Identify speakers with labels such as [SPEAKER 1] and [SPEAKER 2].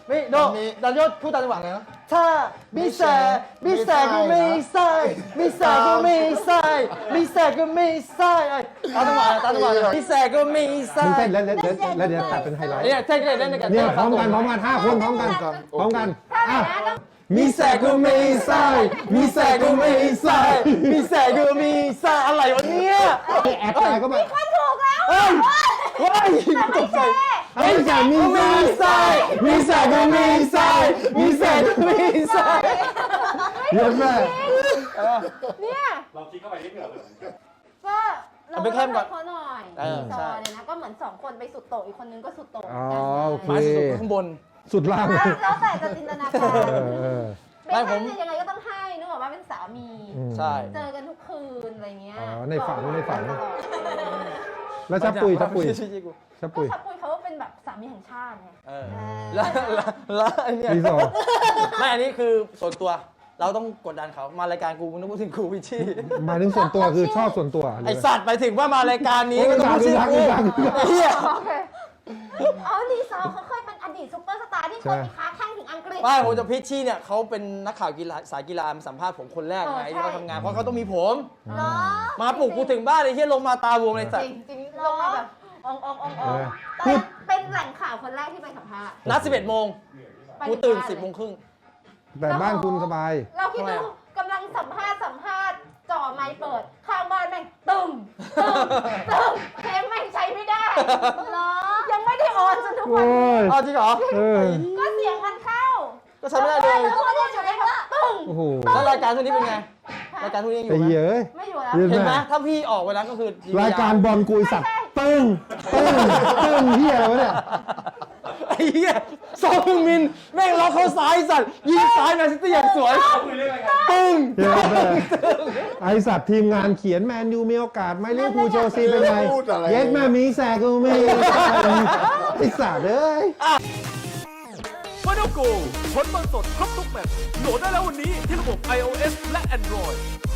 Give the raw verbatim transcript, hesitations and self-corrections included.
[SPEAKER 1] ไม่โดดันยศพูดตามจังหวะไงนะถ้ามีแสมีแสก็มีไส้มีแสก็มีไส้มีแสก็มีไส้ตามจังหวะตามจังหวะมีแสก็มีไส้
[SPEAKER 2] มึงเต้นแล้วแล้วแล้วเดี๋ยวตัดเป็นไฮไลท์
[SPEAKER 1] เนี่ยเต้นเล่นในกัน
[SPEAKER 2] เนี่ยพร้อมกันพร้อมกันห้าคนพร้อมกันพร้อมกันอ่ะมีแสก็มีไส้มีแสก็มีไส้
[SPEAKER 1] มีแสก็มีไส้อะไรวะเนี่ย
[SPEAKER 2] แอดตายก็แบบ
[SPEAKER 3] มันถูกแล้ว
[SPEAKER 1] เฮ้ยเฮ้ยตกใจ
[SPEAKER 2] มีแสมีไส้มีแสก็มีไส้มีแสก็มีไส้เยอะแม่
[SPEAKER 3] เนี่ย
[SPEAKER 4] เราคิดเข้าไปนิดเดียวเลย
[SPEAKER 3] ก็เรา
[SPEAKER 1] ไปเข้มก่อน
[SPEAKER 3] เขาหน่อย
[SPEAKER 1] เออ
[SPEAKER 3] ซอเลยนะก็เหมือนสองคนไปสุดโต่งอีกคนนึงก็สุดโต่ง
[SPEAKER 2] อ๋อโอเค
[SPEAKER 1] ไม้สุดข้างบน
[SPEAKER 2] สุดล่าง
[SPEAKER 3] แล้วแต่จะจินตนาการ
[SPEAKER 2] เออเออ
[SPEAKER 3] ไม่ผมยังไงก็ต้องให้นึกออกว่าเป็นสามี
[SPEAKER 1] ใช่
[SPEAKER 3] เจอกันทุกคืนอะไรเงี้ย
[SPEAKER 2] อ๋อในฝันในฝัน
[SPEAKER 3] ตลอด
[SPEAKER 2] แล้วชับปุยชับปุยชับ
[SPEAKER 3] ก็
[SPEAKER 2] ปุย
[SPEAKER 3] ชับปุยเขาเป็นแบบสามีแห่งชาติไง
[SPEAKER 1] เออแล้วแล้วแล้วไอ้เนี่ย
[SPEAKER 2] ปีสอง
[SPEAKER 1] ไม่อันนี้คือส่วนตัวเราต้องกดดันเขามารายการกูมึงต้องพูดถึงกูวิชี่
[SPEAKER 2] หมายถึงส่วนตัวคือชอบส่วนตัว
[SPEAKER 1] ไอสัตว์ไปถึงว่ามารายการนี้ก็ต้องพูดชื่อกูไอ้เหี้ย
[SPEAKER 3] โอเคอ๋อลีซอเขาเคยเป็นอดีตซุปเปอร์สตาร์ที่เคยไปค้าแข่งถึงอังกฤษ
[SPEAKER 1] ไม่ผมจะพิชชี่เนี่ยเขาเป็นนักข่าวกีฬาสายกีฬามาสัมภาษณ์ผมคนแรกไงที่เขาทำงานเพราะเขาต้องมีผม
[SPEAKER 3] เหรอ
[SPEAKER 1] มาปลุกกูถึงบ้านเลยเฮียลงมาตาบวมเลยสัต
[SPEAKER 3] จ
[SPEAKER 1] ว์
[SPEAKER 3] ริงจริงๆลงมาแบบององององตอนเป็นแหล่งข่าวคนแรกที่ไปสัมภาษณ์
[SPEAKER 1] นัดสิบเอ็ดโมงกูตื่นสิบโมงครึ่ง
[SPEAKER 2] แต่บ้านคุณสบาย
[SPEAKER 3] เราคิดดูกำลังสัมภาษณ์สัมภาษณ์จ่อไมค์เปิดข้างบ้านแม่งตึมตึมตึมเทปแม่งใช้ไม่ได้เหรอยังไม่ได้ออนจนทุก
[SPEAKER 2] โอ้
[SPEAKER 3] วันนี้
[SPEAKER 2] ย
[SPEAKER 1] เอาจริงเหรอ
[SPEAKER 2] เออ
[SPEAKER 3] ก็เสียงมันเข้า
[SPEAKER 1] ก็ใช้ไม่ได้เลย
[SPEAKER 3] แล้วก็ได้อยู่ในแบบตึง
[SPEAKER 2] โอ้โห
[SPEAKER 1] แล้วรายการทุกนี้เป็นไงรายการทุกนี้ยังอ
[SPEAKER 2] ไอ้
[SPEAKER 1] ยู่ไหม
[SPEAKER 2] เหี้ยเอ้ย
[SPEAKER 3] ไม่อยู่แล้ว
[SPEAKER 2] เรียน
[SPEAKER 1] เห็นไหมถ้าพี่ออกไปแล้วก็คือ
[SPEAKER 2] รายการบอลกุยสัตว์ตึ้งตึ้งตึ้งเหี้ยอะไรวะเนี่ย
[SPEAKER 1] ไอ้เหี้ยซองมินแม่งล็อกเขาซ้ายสัตว์ยิงซ้ายแมนซิตี้อย่างสวย
[SPEAKER 4] คุยเรื่องอะไรกัน
[SPEAKER 1] ตึ้ง
[SPEAKER 2] เหี้ยแม่ไอสัตว์ทีมงานเขียนแมนยูมีโอกาสไหมลิเวอร์พูลเชลซีเป็นไงเย็ดแม่มีแสกูมีไอสัตว์เอ้ย
[SPEAKER 5] ฟาโนโกผลบอลสดครบทุกแมตช์โหลดได้แล้ววันนี้ที่ระบบ iOS และ Android